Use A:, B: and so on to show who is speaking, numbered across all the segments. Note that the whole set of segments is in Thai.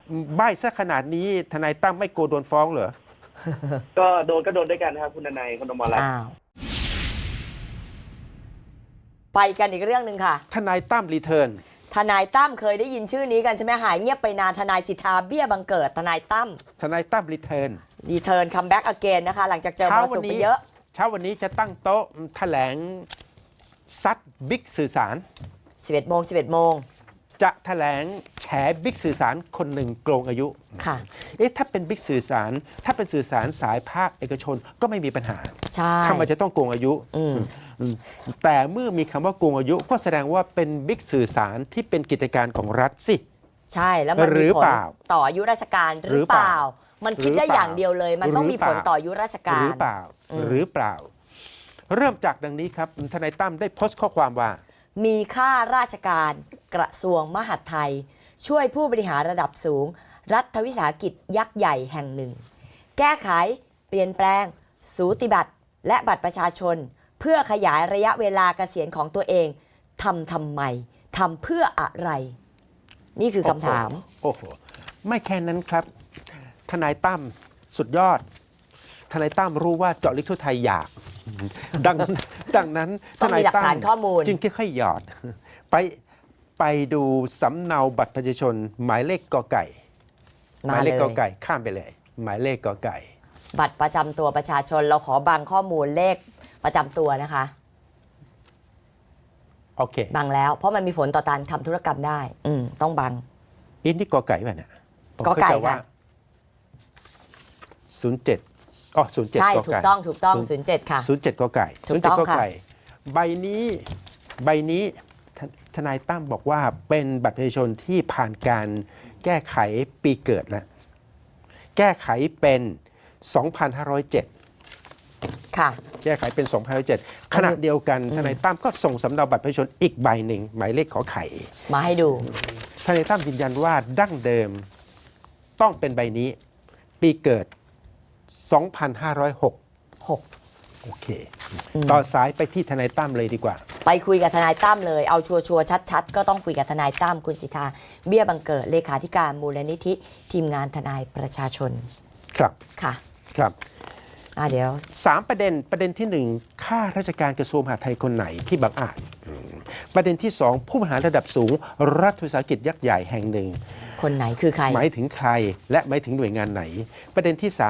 A: ใบ้ซะขนาดนี้ทนายตั้มไม่กลัวโดนฟ้องเหรอ
B: ก็โดนด้วยกันนะครับคุณนายคุณอมรรัตน์
C: อ้าวไปกันอีกเรื่องหนึ่งค่ะ
A: ทนายตั้มรีเทิร์น
C: ทนายตั้มเคยได้ยินชื่อนี้กันใช่ไหมหายเงียบไปนานทนายสิทธาเบี้ยบังเกิดทนายตั้ม
A: รีเทิร์น
C: รีเทิร์นคัมแบ็กอเกนนะคะหลังจากเจอมรสุมไปเยอะ
A: เช้าวันนี้จะตั้งโต๊ะแถลงซัดบิ๊กสื่อสาร
C: 11 โมง
A: จะแถลงแฉบิ๊กสื่อสารคนหนึ่งโกงอายุ
C: ค่ะ
A: ถ้าเป็นบิ๊กสื่อสารถ้าเป็นสื่อสารสายภาคเอกชนก็ไม่มีปัญหา
C: ใช่
A: ทำไมจะต้องโกงอายุแต่เมื่อมีคำว่าโกงอายุก็แสดงว่าเป็นบิ๊กสื่อสารที่เป็นกิจการของรัฐสิ
C: ใช่แล้วมันมีผลต่ออายุราชการหรือเปล่ามันคิดได้อย่างเดียวเลยมันต้องมีผลต่ออายุราชการ
A: หรือเปล่าเริ่มจากดังนี้ครับทนายตั้มได้โพสต์ข้อความว่า
C: มีข้าราชการกระทรวงมหาดไทยช่วยผู้บริหารระดับสูงรัฐวิสาหกิจยักษ์ใหญ่แห่งหนึ่งแก้ไขเปลี่ยนแปลงสูติบัตรและบัตรประชาชนเพื่อขยายระยะเวลาเกษียณของตัวเองทำไมทำเพื่ออะไรนี่คือคำถาม
A: โอ้โหไม่แค่นั้นครับทนายตั้มสุดยอดทนายตั้มรู้ว่าเจาะลึกทั่วไทยอยากดังนั้น
C: ทนายตั้ม
A: จึงค่อยๆหยอดไปดูสำเนาบัตรประชาชนหมายเลขกอไก่หมายเลขกอไก่ข้ามไปเลยหมายเลขกอไก่
C: บัตรประจำตัวประชาชนเราขอบางข้อมูลเลขประจำตัวนะคะ
A: โอเค
C: บังแล้วเพราะมันมีผลต่อการทำธุรกรรมได้ต้องบัง
A: นี่กอไก่ป่ะเนี่ย
C: กอไก่ค่ะ
A: 07อ๋อ07
C: ใช่ถูกต้อง07ค่ะ
A: 07กอไก่07กอไก่ใบนี้ทนายตั้มบอกว่าเป็นบัตรประชาชนที่ผ่านการแก้ไขปีเกิดแล้วแก้ไขเป็น 2507
C: ค่ะ
A: แก้ไขเป็น 2507 ขณะเดียวกันทนายตั้มก็ส่งสำเนาบัตรประชาชนอีกใบหนึ่งหมายเลขขอไข่
C: มาให้ดู
A: ทนายตั้มยืนยันว่าดั้งเดิมต้องเป็นใบนี้ปีเกิด 2506 โอเคต่อสายไปที่ทนายตั้มเลยดีกว่า
C: ไปคุยกับทนายตั้มเลยเอาชัวร์ชัดๆก็ต้องคุยกับทนายตั้มคุณสิทธาเบี้ยบังเกิดเลขาธิการมูลนิธิทีมงานทนายประชาชน
A: ครับ
C: ค่ะ
A: ครับ
C: เดี๋ยว
A: 3ประเด็นที่1ข้าราชการกระทรวงมหาดไทยคนไหนที่บังอาจประเด็นที่2ผู้บริหารระดับสูงรัฐวิสาหกิจยักษ์ใหญ่แห่งหนึ่ง
C: คนไหนคือใคร
A: หมายถึงใครและหมายถึงหน่วยงานไหนประเด็นที่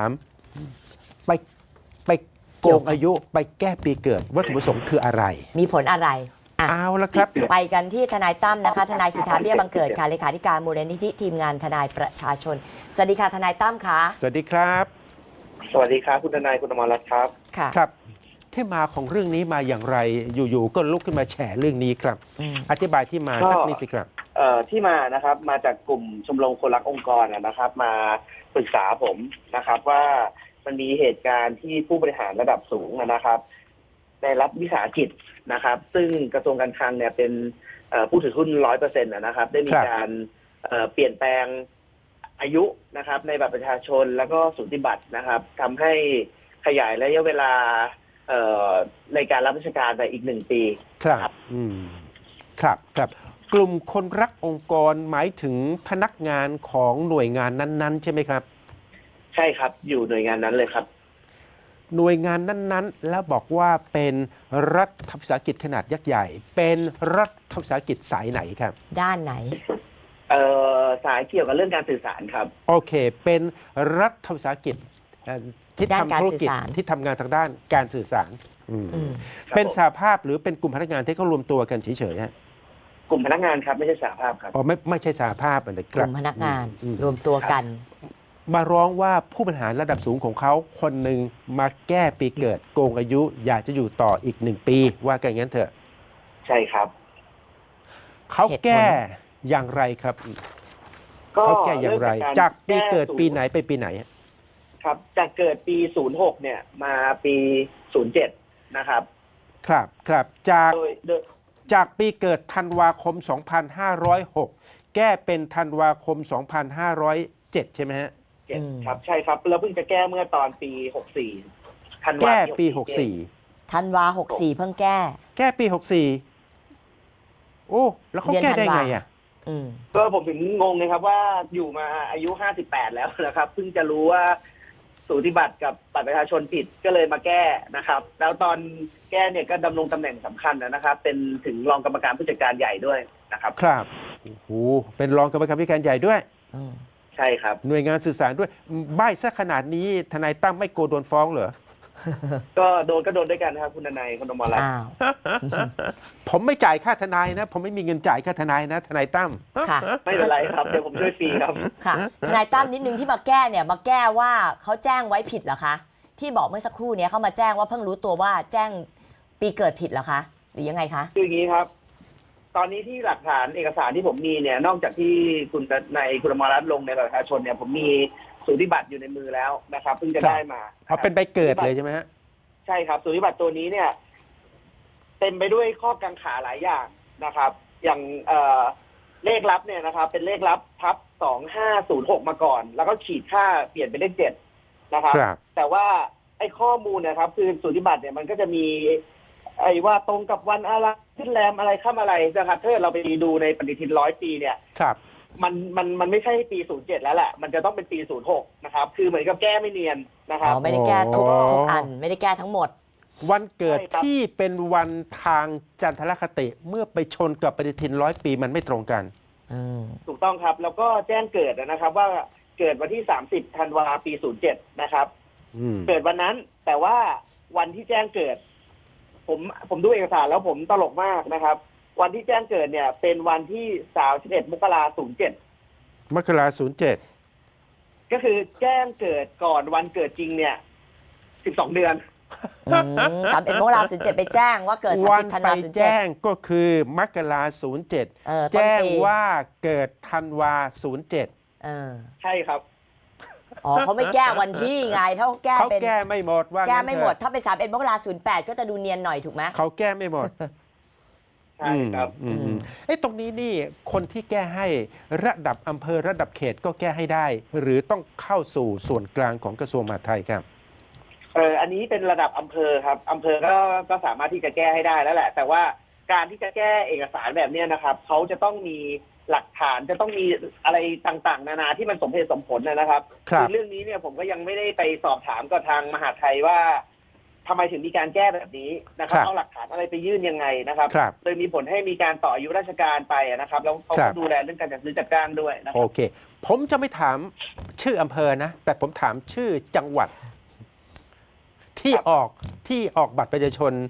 A: 3ไปโกงอายุไปแก้ปีเกิดวัตถุประสงค์คืออะไร
C: มีผลอะไร
A: เอาละครับ
C: ไปกันที่ทนายตั้มนะคะทนายสิทธาเบี้ยบังเกิดค่ะเลขาธิการมูลนิธิทีมงานทนายประชาชนสวัสดีค่ะทนายตั้มค่ะ
A: สวัสดีครับ
B: สวัสดีครับคุณทนายคุณอมรรัตน์ครับ
C: ค่ะ
A: ครับที่มาของเรื่องนี้มาอย่างไรอยู่ๆก็ลุกขึ้นมาแฉเรื่องนี้ครับอธิบายที่มาสักนิดสิครับ
B: ที่มานะครับมาจากกลุ่มชมรมคนรักองค์กรนะครับมาปรึกษาผมนะครับว่ามันมีเหตุการณ์ที่ผู้บริหารระดับสูงนะครับในรัฐวิสาหกิจนะครับซึ่งกระทรวงการคลังเนี่ยเป็นผู้ถือหุ้น 100% นะครับได้มีการเปลี่ยนแปลงอายุนะครับในบัตรประชาชนแล้วก็สูติบัตรนะครับทำให้ขยายระยะเวลาในการรับราชการไปอีก1 ปี
A: ครับครับกลุ่มคนรักองค์กรหมายถึงพนักงานของหน่วยงานนั้นๆใช่ไหมครับ
B: ใช่ครับอยู่หน่วยงานนั้นเลยครับ
A: หน่วยงานนั้นๆแล้วบอกว่าเป็นรัฐวิสาหกิจขนาดยักษ์ใหญ่เป็นรัฐวิสาหกิจสายไหนครับ
C: ด้านไหน
B: สายเกี่ยวกับเรื่องการสื่อสารครับ
A: โอเคเป็นรัฐวิสาหกิจที่ทำธุรกิจที่ทำงานทางด้านการสื่อสารเป็นสหภาพหรือเป็นกลุ่มพนักงานที่เขารวมตัวกันเฉยๆฮะ
B: กลุ่มพนักงานครับไม่ใช่สหภาพครับ
A: อ๋อไม่ใช่สหภาพนะ
C: กลุ่มพนักงานรวมตัวกัน
A: มาร้องว่าผู้บริหารระดับสูงของเขาคนหนึ่งมาแก้ปีเกิดโกงอายุอยากจะอยู่ต่ออีก1 ปีว่ากันงั้นเถอะ
B: ใช่ครับ
A: เขาแก้อย่างไรครับเขาแก้อย่างไรจากปีเกิดปีไหนไปปีไหน
B: ครับจากเกิดปี06เนี่ยมาปี07นะครับ
A: ครับจากปีเกิดธันวาคม2506แก้เป็นธันวาคม2507ใช่ไหมฮะ
B: ครับใช่ครับแล้วเพิ่งจะแก้เมื่อตอนปี64ธันวา
A: แก้ปี64
C: ธันวา64เพิ่งแก้
A: ปี64โอ้แล้วเขาแก้ได้ไงอ่ะ
C: อืม
B: ก็ผมถึงงงเลยครับว่าอยู่มาอายุ 58 แล้วนะครับเพิ่งจะรู้ว่าสูติบัตรกับบัตรประชาชนผิดก็เลยมาแก้นะครับ แล้วตอนแก้เนี่ยก็ดำรงตำแหน่งสำคัญนะครับ เป็นถึงรองกรรมการผู้จัดการใหญ่ด้วยนะครับ
A: ครับโอ้โหเป็นรองกรรมการผู้การใหญ่ด้วย
C: อืม
B: ใช่ครับ
A: หน่วยงานสื่อสารด้วยใบ้ซะขนาดนี้ทนายตั้มไม่โกลัวโดนฟ้องเหรอ
B: ก็โดนด้วยกันนะครับคุณนายคุณอมรรัตน์
C: อ้าว
A: ผมไม่จ่ายค่าทนายนะ ผมไม่มีเงินจ่ายค่าทนายนะ ทนายตั้ม
C: ค่ะ
B: ไม่เป็นไรครับเดี๋ยวผมช่วยฟรีครับ
C: ค่ะทนายตั้มนิดนึงที่มาแก้เนี่ยมาแก้ว่าเขาแจ้งไว้ผิดเหรอคะที่บอกเมื่อสักครู่เนี้ยเขามาแจ้งว่าเพิ่งรู้ตัวว่าแจ้งปีเกิดผิดเหรอคะหรือยังไงคะ
B: คืออย่างนี้ครับ ตอนนี้ที่หลักฐานเอกสารที่ผมมีเนี่ย นอกจากที่คุณนายคุณอมรรัตน์ลงในบัตรประชาชนเนี่ย ผมมีสูติบัตรอยู่ในมือแล้วนะครับเพิ่งจะได้มา
A: เอาเป็นใบเกิดเลยใช่ไหมฮะ
B: ใช่ครับสูติบัตรตัวนี้เนี่ย เต็มไปด้วยข้อกังขาหลายอย่างนะครับ อย่างเลขลับเนี่ยนะครับ เป็นเลขลับทับ2506มาก่อน แล้วก็ขีดค่าเปลี่ยนเป็นเลข7นะครับ
A: ครับ
B: แต่ว่าไอ้ข้อมูลนะครับ คือสูติบัตรเนี่ยมันก็จะมี ไอ้ว่าตรงกับวันอะไรขึ้นแรมอะไรข้ามอะไรนะครับถ้าเราไปดูในปฏิทิน100 ปีเนี่ย
A: ครับ
B: มันไม่ใช่ปี 07 แล้วแหละ มันจะต้องเป็นปี 06 นะครับ คือเหมือนกับแก้ไม่เนียนนะค
C: อ๋
B: รับ
C: อไม่ได้แก้ทุก
A: อ๋อ
C: ทุกอันไม่ได้แก้ทั้งหมด
A: วันเกิด
B: ใช่ครับ
A: ที่เป็นวันทางจันทรคติเมื่อไปชนกับปฏิทิน100 ปีมันไม่ตรงกัน
C: อืม
B: ถูกต้องครับ แล้วก็แจ้งเกิดนะครับ ว่าเกิดวันที่ 30 ธันวาปี 07 นะครับ
A: อืม
B: เกิดวันนั้น แต่ว่าวันที่แจ้งเกิด ผมดูเอกสารแล้วผมตลกมากนะครับ วันที่แจ้งเกิดเนี่ย เป็นวันที่31 มกราคม 07
A: มกรา07
B: ก็คือแจ้งเกิดก่อนวันเกิดจริงเนี่ย 12 เดือน
C: 31 มกราคม 07 ไปแจ้งว่าเกิด
A: วัน
C: 30 ธัน
A: ไป
C: วาคม
A: แจ้ง
C: 07
A: ก็คือมกรา07
C: ต้น
A: แจ้ง
C: ปี
A: ว่าเกิดธันวา07
C: เออ
B: ใช่ครับ
C: อ๋อเขาไม่แก้วันที่ไงถ้าเขาแก้
A: เขา
C: เป็น
A: แก้ไม่หมดว่า
C: แก้
A: งั้น
C: ไม่
A: เถอะ
C: หมดถ้าเป็น31 มกราคม 08 ก็จะดูเนียนหน่อยถูกไหม
A: เขาแก้ไม่หมด
B: ใช่ครับ
A: ไอ้ตรงนี้นี่คนที่แก้ให้ระดับอำเภอระดับเขตก็แก้ให้ได้ หรือต้องเข้าสู่ส่วนกลางของกระทรวงมหาดไทยครับ
B: อันนี้เป็นระดับอำเภอครับอำเภอก็สามารถที่จะแก้ให้ได้แล้วแหละ แต่ว่าการที่จะแก้เอกสารแบบเนี้ยนะครับเขาจะต้องมีหลักฐานจะต้องมีอะไรต่างๆ นานาที่มันสมเหตุสมผลนะครับ
A: ครับ
B: เรื่องนี้เนี่ยผมก็ยังไม่ได้ไปสอบถามกับทางมหาดไทยว่าทำไมถึงมีการแก้แบบนี้นะครับเอาหลักฐานอะไรไปยื่นยังไงนะครับ
A: ครับ
B: โดยมีผลให้มีการต่ออายุราชการไปนะครับแล้วเขา
A: ครั
B: ก็
A: บ
B: ดูแลเรื่องการจัดซื้อจัดจ้างด้วยนะค
A: โอ
B: รับ
A: เค ผมจะไม่ถามชื่ออำเภอนะ แต่ผมถามชื่อจังหวัด ที่
B: ครับ
A: ออกบัตรประชาชน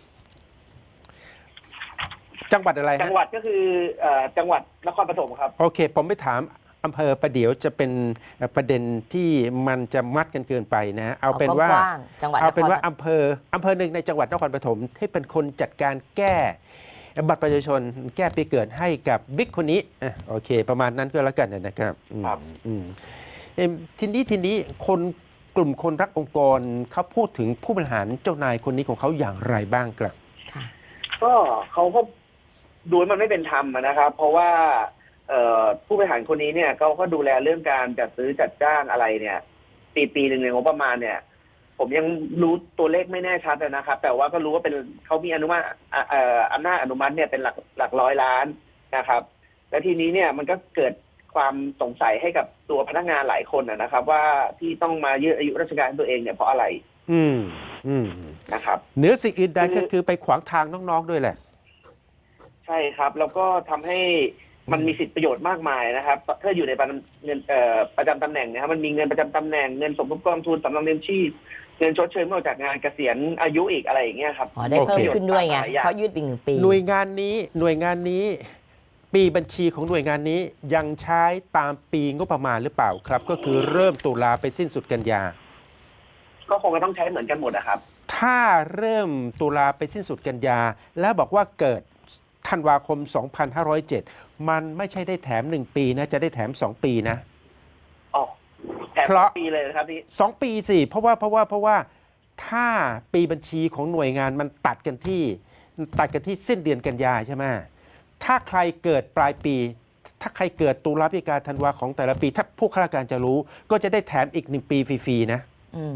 A: จังหวัดอะไร
B: จั
A: ฮะ
B: งหวัดก็คือจังหวัดนครปฐมครับ
A: โอเค ผมไม่ถามอำเภอประเดี๋ยวจะเป็นประเด็นที่มันจะมัดกันเกินไปนะ เอาเป็นว่า
C: กว้างๆจังหวัด
A: เอาเป็นว่า
C: คร
A: อำเภอหนึ่งในจังหวัดนครปฐมที่เป็นคนจัดการแก้บัตรประชาชน แก้ปีเกิดให้กับบิ๊กคนนี้อ่ะโอเค ประมาณนั้นก็แล้วกันนะครับอืม
B: ครับ
A: อืมทีนี้คนกลุ่มคนรักองค์กรเขาพูดถึงผู้บริหารเจ้านายคนนี้ของเขาอย่างไรบ้างครับ
C: ค่ะ
B: ก็เขาก็ดูมันไม่เป็นธรรมนะครับ เพราะว่าผู้บริหารคนนี้เนี่ยเขาก็ดูแลเรื่องการจัดซื้อจัดจ้างอะไรเนี่ยปีหนึ่งในงบประมาณเนี่ย ผมยังรู้ตัวเลขไม่แน่ชัดนะครับ แต่ว่าก็รู้ว่าเป็นเขามีอนุมัติอำนาจอนุมัติเนี่ยเป็นหลักร้อยล้านนะครับ และทีนี้เนี่ยมันก็เกิดความสงสัยให้กับตัวพนักงานหลายคนนะครับ ว่าที่ต้องมายืดอายุราชการตัวเองเนี่ยเพราะอะไร
A: อืมอืม
B: นะครับ
A: เหนือสิ่งอื่นใดก็คือไปขวางทางน้องๆด้วยแหละ
B: ใช่ครับ แล้วก็ทำให้มันมีสิทธิประโยชน์มากมายนะครับถ้าอยู่ในเงินประจำตำแหน่งนะครับมันมีเงินประจำตำแหน่งเงินสมทบกองทุนสำรองเลี้ยงชีพเงินชดเชยเมื่อออกจากงานเกษียณอายุอีกอะไรอย่างเงี้ยครับ
C: อ๋อได้เพิ่ม
A: โอเค
C: ขึ้นด้วยไง
B: หลายอย่าง
C: เขายืดอีก1 ปี
A: หน่วยงานนี้ ปีบัญชีของหน่วยงานนี้ยังใช้ตามปีงบประมาณหรือเปล่าครับ ก็คือเริ่มตุลาไปสิ้นสุดกันยา
B: ก็คงจะต้องใช้เหมือนกันหมดนะครับ
A: ถ้าเริ่มตุลาไปสิ้นสุดกันยา แล้วบอกว่าเกิดธันวาคม 2507 มันไม่ใช่ได้แถม 1 ปีนะ จะได้แถม 2 ปีนะ
B: อ๋อแถม
A: เพราะ
B: ปีเลยนะครับนี่
A: 2 ปีสิเพราะว่าถ้าปีบัญชีของหน่วยงานมันตัดกันที่สิ้นเดือนกันยาใช่ไหมถ้าใครเกิดปลายปี ถ้าใครเกิดตุลาพฤศจิกาธันวาของแต่ละปี ถ้าผู้ข้าราชการจะรู้ก็จะได้แถมอีก 1 ปีฟรีๆนะ
C: อืม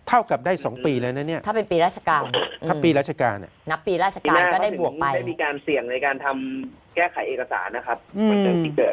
A: เท่ากับได้ 2 ปีแล้วนะเนี่ย
C: ถ้าเป็นปีราชการ
A: ถ้าปีราชการเนี่ย
C: นับปีราชการก็ได้บวกไป
B: ได้มีการเสี่ยงในการทำแก้ไขเอกสารนะครับวันเดือนที่เกิด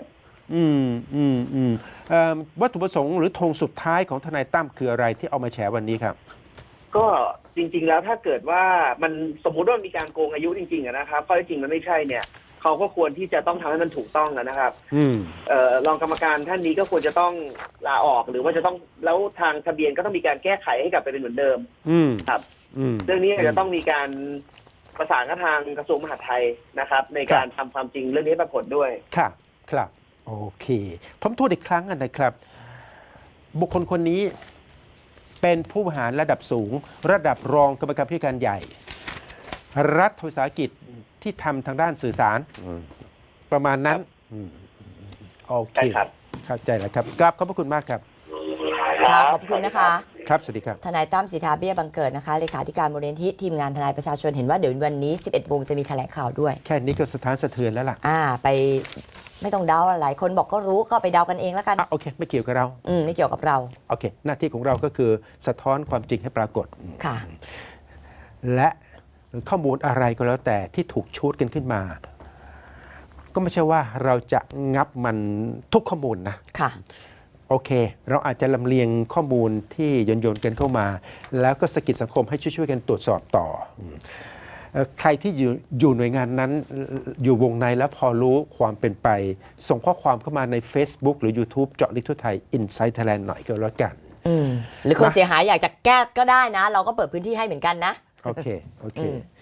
A: วัตถุประสงค์หรือธงสุดท้ายของทนายตั้มคืออะไรที่เอามาแฉวันนี้ครับ
B: ก็จริงๆแล้วถ้าเกิดว่ามันสมมุติว่ามีการโกงอายุจริงๆนะครับข้อเท็จจริงมันไม่ใช่เนี่ยเขาก็ควรที่จะต้องทำให้มันถูกต้องนะครับรองกรรมการท่านนี้ก็ควรจะต้องลาออกหรือว่าจะต้องแล้วทางทะเบียนก็ต้องมีการแก้ไขให้กลับไปเป็นเหมือนเดิมครับเรื่องนี้อาจจะต้องมีการประสานกับทางกระทรวงมหาดไทยนะครับ ในการทำความจริงเรื่องนี้ให้ปรากฏด้วย
A: ครับโอเคผมทวนอีกครั้งนะครับ บุคคลคนนี้เป็นผู้บริหารระดับสูง ระดับรองกรรมการผู้การใหญ่ รัฐวิสาหกิจที่ทำทางด้านสื่อสารประมาณนั้นโอเค
B: ใช่ครับ
A: เข้าใจแล้วครับกราบขอบพระคุณมากครับ
C: ค่ะขอบคุณนะคะ
A: ครับสวัสดีครับ
C: ทนายตั้มสิทธาเบี้ยบังเกิดนะคะเลขาธิการมูลนิธิทีมงานทนายประชาชนเห็นว่าเดี๋ยววันนี้ 11 โมงจะมีแถลงข่าวด้วย
A: แค่นี้ก็สะท้านสะเทือนแล้วล่ะ
C: ไปไม่ต้องเดาหลายคนบอกก็รู้ก็ไปเดากันเองแล้วกัน
A: โอเค ไม่เกี่ยวกับเรา
C: ไม่เกี่ยวกับเรา
A: โอเค หน้าที่ของเราก็คือสะท้อนความจริงให้ปรากฏ
C: ค่ะ
A: และข้อมูลอะไรก็แล้วแต่ที่ถูกชูดกันขึ้นมา ก็ไม่ใช่ว่าเราจะงับมันทุกข้อมูลนะ
C: ค่ะ
A: โอเค เราอาจจะลำเลียงข้อมูลที่โยนกันเข้ามา แล้วก็สะกิดสังคมให้ช่วยๆกันตรวจสอบต่อใครที่อยู่หน่วยงานนั้นอยู่วงในแล้วพอรู้ความเป็นไป ส่งข้อความเข้ามาใน Facebook หรือ YouTube เจาะลึกทั่วไทย Inside Thailand หน่อยก็แล้วกัน
C: หรือคนเสียหายอยากจะแก้ก็ได้นะ เราก็เปิดพื้นที่ให้เหมือนกันนะ
A: โอเค